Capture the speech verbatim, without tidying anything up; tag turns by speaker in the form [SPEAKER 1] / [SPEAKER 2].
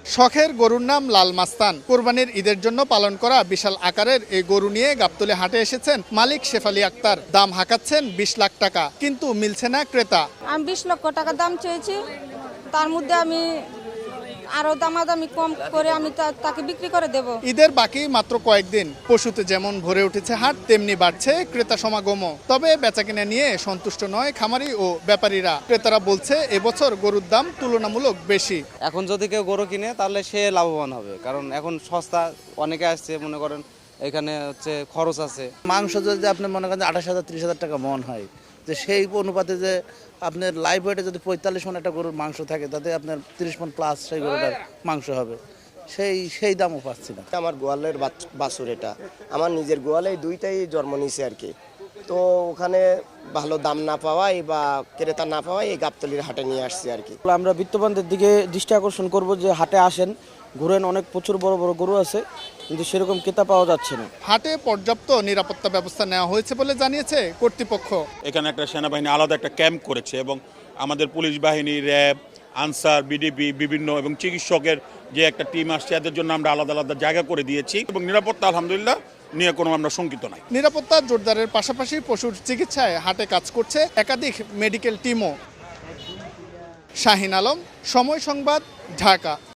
[SPEAKER 1] শখের গরুর নাম লাল মাস্তান। কোরবানির ঈদের জন্য পালন করা বিশাল আকারের এই গরু নিয়ে গাবতলী হাটে এসেছেন মালিক শেফালি আক্তার। দাম হাঁকাচ্ছেন বিশ লাখ টাকা, কিন্তু মিলছে না ক্রেতা।
[SPEAKER 2] আমি বিশ লক্ষ টাকা দাম চেয়েছি, তার মধ্যে আমি আরো দামাদামি কম করে আমি তাকে বিক্রি করে দেব।
[SPEAKER 1] ঈদের বাকি মাত্র কয়েকদিন, পশুতে যেমন ভরে উঠেছে হাট, তেমনি বাড়ছে ক্রেতা সমাগমও। তবে বেচাকেনা নিয়ে সন্তুষ্ট নয় খামারি ও ব্যাপারীরা। ক্রেতারা বলছে এবছর গরুর দাম তুলনামূলক বেশি।
[SPEAKER 3] এখন যদি কেউ গরু কিনে তাহলে সে লাভবান হবে, কারণ এখন সস্তা, অনেকে আসছে, মনে করেন এখানে হচ্ছে খরচ আছে।
[SPEAKER 4] মাংস যদি আপনি মনে করেন আঠাশ হাজার ত্রিশ হাজার টাকা মন হয়, যে সেই অনুপাতে যে আপনার লাইভ ওয়েটে যদি পঁয়তাল্লিশ মন একটা গরুর মাংস থাকে, তাতে আপনার তিরিশ মন প্লাস সেই গরুটার মাংস হবে, সেই সেই দামও পাচ্ছি না।
[SPEAKER 5] আমার গোয়ালের বাছুর, এটা আমার নিজের গোয়ালে দুইটাই জন্ম নিয়েছে আর কি। তো ওখানে ভালো দাম না পাওয়ায় বা ক্রেতা না পাওয়ায় এই গাবতলীর হাটে নিয়ে আসছি আর কি।
[SPEAKER 6] আমরা বিত্তবানদের দিকে দৃষ্টি আকর্ষণ করব যে হাটে আসেন, ঘুরেন, অনেক প্রচুর বড় বড় গরু আছে, কিন্তু সেরকম ক্রেতা পাওয়া যাচ্ছে না।
[SPEAKER 1] হাটে পর্যাপ্ত নিরাপত্তা ব্যবস্থা নেওয়া হয়েছে বলে জানিয়েছে কর্তৃপক্ষ।
[SPEAKER 7] এখানে একটা সেনাবাহিনী আলাদা একটা ক্যাম্প করেছে এবং আমাদের পুলিশ বাহিনী, র্যাব, আনসার, বিডিপি, বিভিন্ন এবং চিকিৎসকের যে একটা টিম আসছে, এদের জন্য আমরা আলাদা আলাদা জায়গা করে দিয়েছি এবং নিরাপত্তা আলহামদুলিল্লাহ নিয়ে কোনো আমরা শঙ্কিত নাই।
[SPEAKER 1] নিরাপত্তা জোরদারের পাশাপাশি পশুর চিকিৎসায় হাটে কাজ করছে একাধিক মেডিকেল টিমও। শাহিন আলম, সময় সংবাদ, ঢাকা।